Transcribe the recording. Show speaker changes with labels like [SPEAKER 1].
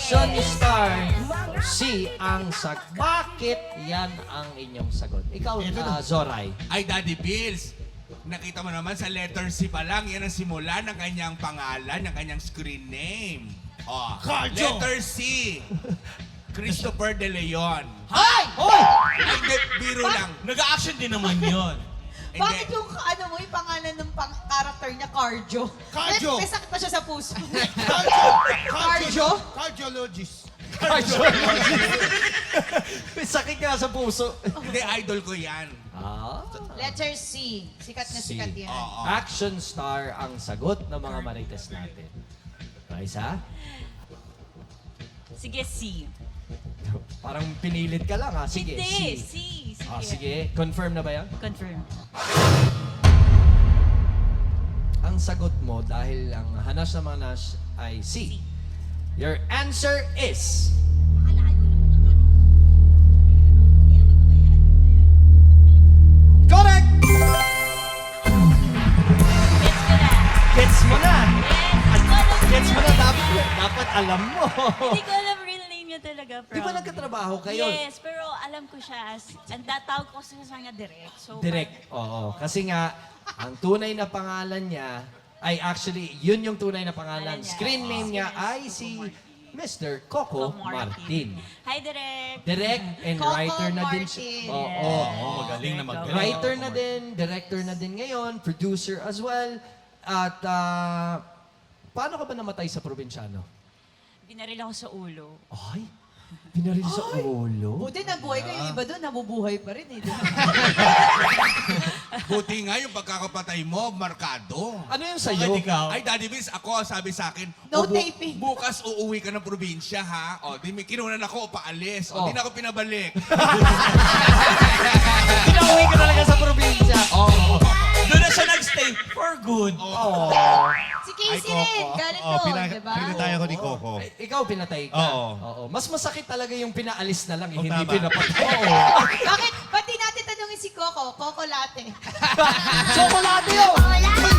[SPEAKER 1] Action star. C ang bakit yan ang inyong sagot. Ikaw, Zoray.
[SPEAKER 2] Ay, Daddy Bills, nakita mo naman sa letter C pa lang, yan ang simula ng kanyang pangalan, ng kanyang screen name. Oh,
[SPEAKER 3] Cardio!
[SPEAKER 2] letter C. Christopher De Leon.
[SPEAKER 1] Hay! Hoy!
[SPEAKER 2] Ay, hindi, biro lang.
[SPEAKER 3] Nag-action din naman yun.
[SPEAKER 2] Hindi.
[SPEAKER 4] Bakit yung yung pangalan ng character niya, Cardio?
[SPEAKER 3] Cardio.
[SPEAKER 4] May sakit pa siya sa puso.
[SPEAKER 3] Cardio. Cardiologist.
[SPEAKER 1] May sakit ka sa puso.
[SPEAKER 2] Hindi, idol ko yan.
[SPEAKER 4] Letter C. Sikat na
[SPEAKER 1] C.
[SPEAKER 4] sikat yan.
[SPEAKER 2] Oo.
[SPEAKER 1] Action star ang sagot ng mga marites natin. Raisa?
[SPEAKER 5] Sige, C.
[SPEAKER 1] Parang pinilit ka lang ha. Sige,
[SPEAKER 5] Hindi,
[SPEAKER 1] C.
[SPEAKER 5] C. Sige.
[SPEAKER 1] Sige. Confirm na ba yan?
[SPEAKER 5] Confirm.
[SPEAKER 1] Ang sagot mo dahil ang hanas ng mga nas ay C. Your answer is... Correct!
[SPEAKER 5] Gets ko na.
[SPEAKER 1] Gets mo na!
[SPEAKER 5] Yes.
[SPEAKER 1] Gets mo na, dapat alam mo.
[SPEAKER 5] Hindi ko alam real name niya talaga.
[SPEAKER 1] Di ba nagkatrabaho kayo?
[SPEAKER 5] Yes, pero alam ko siya as... Ang tatawag ko sa kanya direct. So,
[SPEAKER 1] Direct, oo. Kasi nga, ang tunay na pangalan niya, ay actually, yun yung tunay na pangalan.
[SPEAKER 5] Pangalan niya.
[SPEAKER 1] Screen name niya
[SPEAKER 5] Yes,
[SPEAKER 1] ay
[SPEAKER 5] Coco
[SPEAKER 1] si
[SPEAKER 5] Martin.
[SPEAKER 1] Mr. Coco Martin.
[SPEAKER 5] Hi, direct.
[SPEAKER 1] Direct and
[SPEAKER 4] Coco
[SPEAKER 1] writer na din siya.
[SPEAKER 4] Martin.
[SPEAKER 1] Oo.
[SPEAKER 3] Oo, magaling na magaling.
[SPEAKER 1] Writer na din, director na din ngayon, producer as well. At paano ka ba namatay sa probinsyano?
[SPEAKER 5] Binaril ako sa ulo.
[SPEAKER 1] Ay, binaril sa ulo.
[SPEAKER 4] Buti nabuhay ko, yung iba doon, nabubuhay pa rin eh. di ba?
[SPEAKER 2] Buti nga yung pagkakapatay mo, markado.
[SPEAKER 1] Ano yung sa'yo?
[SPEAKER 3] Bakit ikaw?
[SPEAKER 2] Ay, Daddy Bills, ako sabi sa akin,
[SPEAKER 4] No
[SPEAKER 2] "O,
[SPEAKER 4] taping."
[SPEAKER 2] bukas uuwi ka ng probinsya, ha? O, di may kinunan ako, paalis. O,
[SPEAKER 1] Oh.
[SPEAKER 2] di na ako pinabalik.
[SPEAKER 1] Pinauwi ka talaga sa probinsya.
[SPEAKER 2] Oo.
[SPEAKER 3] Doon na siya nagstay for good.
[SPEAKER 1] Oh.
[SPEAKER 4] Si Casey rin, galing doon, di ba?
[SPEAKER 6] Pinatay ako ni Coco.
[SPEAKER 1] Ikaw pinatay ka.
[SPEAKER 6] Oo.
[SPEAKER 1] Mas masakit talaga yung pinaalis na lang, hindi
[SPEAKER 6] tama.
[SPEAKER 1] pinapatay.
[SPEAKER 4] Bakit? Ba't di natin tanungin si Coco? Coco Latte.
[SPEAKER 1] Chocolate yun!